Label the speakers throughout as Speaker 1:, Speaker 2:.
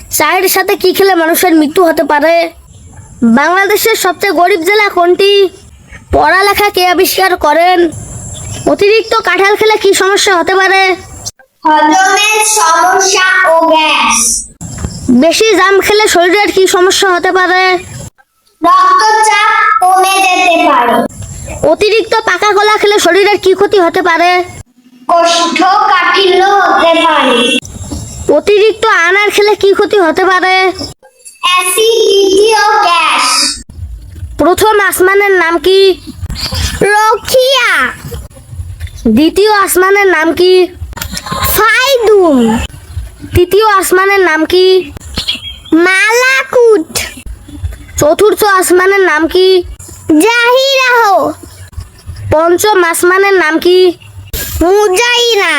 Speaker 1: চায়ের সাথে কি খেলে মানুষের মৃত্যু হতে পারে? বাংলাদেশের সবচেয়ে গরিব জেলা কোনটি? পড়ালেখা কে আবিষ্কার করেন? অতিরিক্ত কাঁঠাল খেলে কি সমস্যা হতে পারে?
Speaker 2: হজমের সমস্যা ও গ্যাস।
Speaker 1: বেশি জাম খেলে শরীরের কি সমস্যা হতে পারে?
Speaker 2: রক্তচাপ কমে যেতে পারে।
Speaker 1: অতিরিক্ত পাকা কলা খেলে শরীরের কি ক্ষতি হতে পারে?
Speaker 2: কোষ্ঠকাঠিন্য হতে পারে।
Speaker 1: অতিরিক্ত আনার খেলে কি ক্ষতি হতে পারে?
Speaker 2: অ্যাসিডিটি ও গ্যাস।
Speaker 1: প্রথম আসমানের নাম কি?
Speaker 2: রখিয়া।
Speaker 1: দ্বিতীয় আসমানের নাম কি?
Speaker 2: ফাইদুম।
Speaker 1: তৃতীয় আসমানের নাম কি?
Speaker 2: মালাকুট।
Speaker 1: চতুর্থ আসমানের নাম কি?
Speaker 2: জাহিরাহ।
Speaker 1: পঞ্চম আসমানের নাম কি?
Speaker 2: মুজাইরা।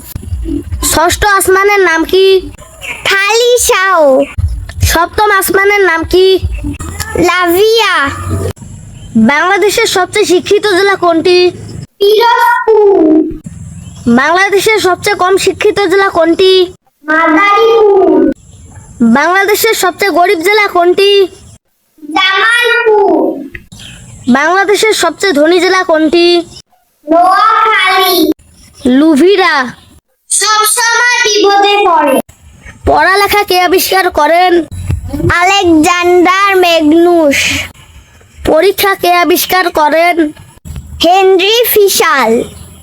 Speaker 1: ষষ্ঠ আসমানের নাম কি?
Speaker 2: খালিশাহ।
Speaker 1: সপ্তম আসমানের নাম কি?
Speaker 2: লাভিয়া।
Speaker 1: বাংলাদেশের সবচেয়ে শিক্ষিত জেলা কোনটি?
Speaker 2: পিরোজপুর।
Speaker 1: বাংলাদেশের সবচেয়ে কম শিক্ষিত জেলা কোনটি?
Speaker 2: মাদারীপুর।
Speaker 1: বাংলাদেশের সবচেয়ে গরিব জেলা কোনটি?
Speaker 2: জামালপুর।
Speaker 1: বাংলাদেশের সবচেয়ে ধনী জেলা কোনটি?
Speaker 2: নোয়াখালী।
Speaker 1: লুভিরা।
Speaker 2: সবসময় বিপদে পড়ে।
Speaker 1: পড়ালেখা কে আবিষ্কার করেন?
Speaker 2: Alexander Magnus.
Speaker 1: পরীক্ষা কে আবিষ্কার করেন?
Speaker 2: Henry Fischel.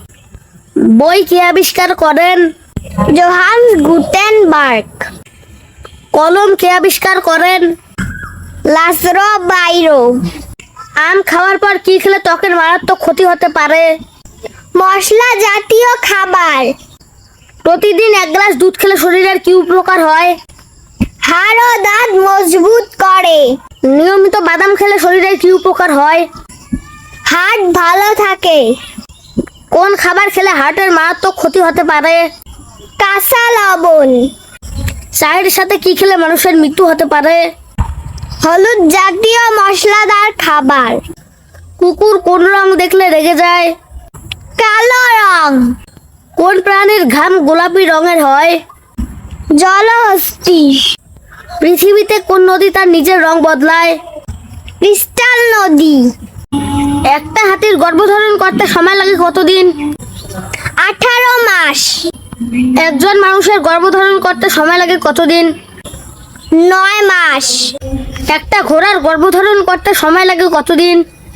Speaker 1: বই কে আবিষ্কার করেন?
Speaker 2: Johannes Gutenberg.
Speaker 1: কলম কে আবিষ্কার করেন?
Speaker 2: লাসরো বাইরো।
Speaker 1: আম খাওয়ার পর কি খেলে ত্বকের মারাত্মক ক্ষতি হতে পারে?
Speaker 2: মশলা জাতীয় খাবার।
Speaker 1: প্রতিদিন এক গ্লাস দুধ খেলে শরীরের কি উপকার হয়?
Speaker 2: হাড় ও দাঁত মজবুত করে।
Speaker 1: নিয়মিত বাদাম খেলে শরীরের কি উপকার হয়?
Speaker 2: হার্ট ভালো থাকে।
Speaker 1: কোন খাবার খেলে হার্টের মারাত্মক ক্ষতি হতে পারে?
Speaker 2: কাঁচা লবণ।
Speaker 1: চায়ের সাথে কি খেলে মানুষের মৃত্যু হতে পারে?
Speaker 2: হলুদ জাতীয় মশলাদার খাবার।
Speaker 1: কুকুর কোন রং দেখলে রেগে যায়?
Speaker 2: কালো রং।
Speaker 1: কোন প্রাণীর ঘাম গোলাপি রঙের হয়?
Speaker 2: জলহস্তী।
Speaker 1: পৃথিবীতে কোন নদী তার নিজের রং বদলায়?
Speaker 2: ক্রিস্টাল নদী।
Speaker 1: একটা হাতির গর্ভধারণ করতে সময় লাগে কতদিন?
Speaker 2: 18 মাস।
Speaker 1: একজন মানুষের গর্ভধারণ করতে সময় লাগে কতদিন?
Speaker 2: 9 মাস।
Speaker 1: একটা ঘোড়ার গর্ভধারণ করতে সময় লাগে কতদিন?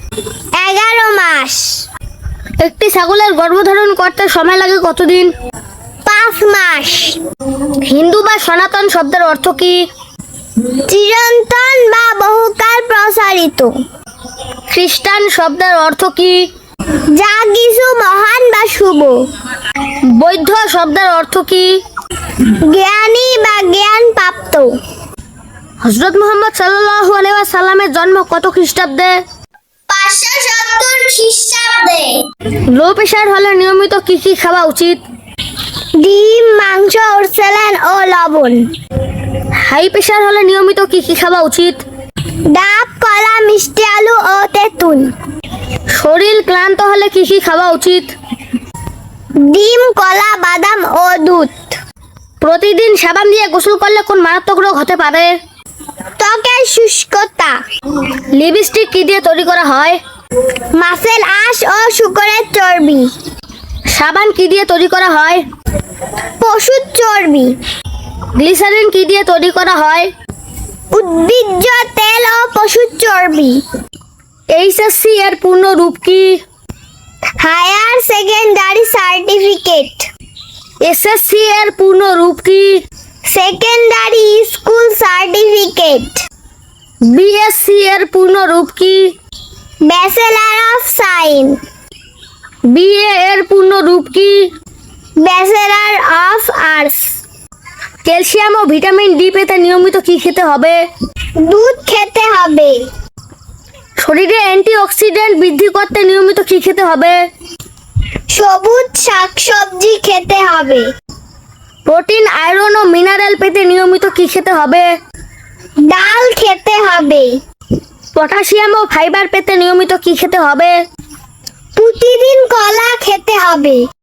Speaker 2: 11 মাস।
Speaker 1: একটি ছাগলের গর্ভধারণ করতে সময় লাগে কতদিন?
Speaker 2: 5 মাস।
Speaker 1: হিন্দু বা সনাতন শব্দের অর্থ কি?
Speaker 2: চিরন্তন বা বহুকাল প্রসারিত।
Speaker 1: খ্রিস্টান শব্দের অর্থ কি?
Speaker 2: যা কিছু মহান বা শুভ।
Speaker 1: বৌদ্ধ শব্দের অর্থ কি?
Speaker 2: জ্ঞানী বা জ্ঞান প্রাপ্ত।
Speaker 1: হযরত মুহাম্মদ সাল্লাল্লাহু আলাইহি ওয়াসাল্লামের জন্ম কত খ্রিস্টাব্দে?
Speaker 2: 570 খ্রিস্টাব্দে।
Speaker 1: লো প্রেশার হলে নিয়মিত কি কি খাওয়া উচিত?
Speaker 2: ডিম, মাংস, স্যালাড ও লবণ।
Speaker 1: হাই প্রেশার হলে নিয়মিত কি কি খাওয়া উচিত?
Speaker 2: ডাব, কলা, মিষ্টি আলু ও তেঁতুল।
Speaker 1: শরীর ক্লান্ত হলে কি কি খাওয়া উচিত?
Speaker 2: ডিম, কলা, বাদাম ও দুধ।
Speaker 1: প্রতিদিন সাবান দিয়ে গোসল করলে কোন মারাত্মক রোগ হতে পারে?
Speaker 2: ত্বকের শুষ্কতা।
Speaker 1: লিপস্টিক কি দিয়ে তৈরি করা হয়?
Speaker 2: মাছের আঁশ ও শূকরের চর্বি।
Speaker 1: সাবান কি দিয়ে তৈরি করা হয়?
Speaker 2: পশুর চর্বি।
Speaker 1: গ্লিসারিন কি দিয়ে তৈরি করা হয়?
Speaker 2: উদ্ভিজ্জ তেল ও পশুর চর্বি।
Speaker 1: এইচএসসি এর পূর্ণ রূপ কি?
Speaker 2: Higher secondary certificate.
Speaker 1: এসএসসি এর পূর্ণ রূপ কি?
Speaker 2: Secondary school certificate.
Speaker 1: বিএসসি এর পূর্ণ রূপ কি?
Speaker 2: Bachelor of science.
Speaker 1: বিএ এর পূর্ণ রূপ কি?
Speaker 2: Bachelor of arts.
Speaker 1: ক্যালসিয়াম ও ভিটামিন ডি পেতে নিয়মিত কি খেতে হবে?
Speaker 2: দুধ খেতে হবে।
Speaker 1: শরীরে অ্যান্টিঅক্সিডেন্ট বৃদ্ধি করতে নিয়মিত কি খেতে হবে?
Speaker 2: সবুজ শাকসবজি খেতে হবে।
Speaker 1: প্রোটিন, আয়রন ও মিনারেল পেতে নিয়মিত কি খেতে হবে?
Speaker 2: ডাল খেতে হবে।
Speaker 1: পটাশিয়াম ও ফাইবার পেতে নিয়মিত কি খেতে হবে?
Speaker 2: প্রতিদিন কলা খেতে হবে।